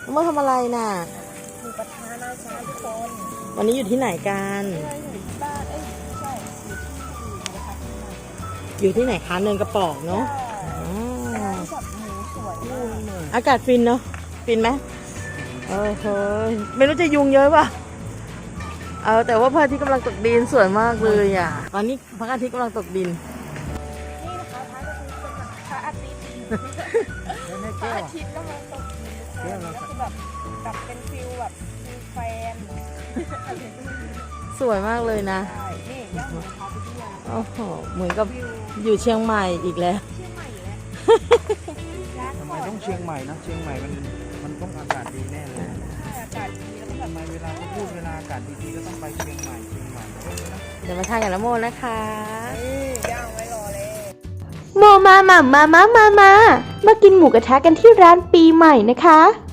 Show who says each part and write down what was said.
Speaker 1: เมื่อทำอะไรน่ะ
Speaker 2: หมูกระทะนะจ๊ะทุกคน
Speaker 1: วันนี้อยู่ที่ไหนกัน
Speaker 2: อยู่ที่บ้านไม่ใช่อยู่ที่หมูกระทะที่ไหน
Speaker 1: อยู่ที่ไหนคะเนินกระปอกเนาะอ๋อ
Speaker 2: ร้านจับหมูสวยมากเลย
Speaker 1: อากาศฟินเนาะฟินไหมเฮ้ยไม่รู้จะยุงเยอะป่ะแต่ว่าพระอาทิตย์กำลังตกดินสวยมากเลยอ่ะตอนนี้พระอาทิตย์กำลังตกดิน
Speaker 2: นี่นะคะพระอาทิตย์พระอาทิตย์กำลังตกดินก็คือแบบเป็นฟิลแบบฟิลแฟน
Speaker 1: สวยมากเลยนะ
Speaker 2: ใช่นี่ย่างหมูกระทะไปที่ร้าน
Speaker 1: โอ้โหเหมือนกับอยู่เชียงใหม่อีกแล้ว
Speaker 2: เชียงใหม่แล้วร้าน
Speaker 3: ทำไม
Speaker 2: ก่อน
Speaker 3: ต้องเชียงใหม่นะเชียงใหม่มันต้องอากาศดีแน่เลย
Speaker 2: ใช่อากาศดีแล้วก็แบบ
Speaker 3: ทำไมเวลาเขาพูดเวลาอากาศดีๆก็ต้องไปเชียงใหม่นะ
Speaker 1: เดี๋ยวมาทานกับน้ำโมนะคะ
Speaker 2: นี่ย่างไว้รอเลย
Speaker 4: มากินหมูกระทะกันที่ร้านปีใหม่นะคะ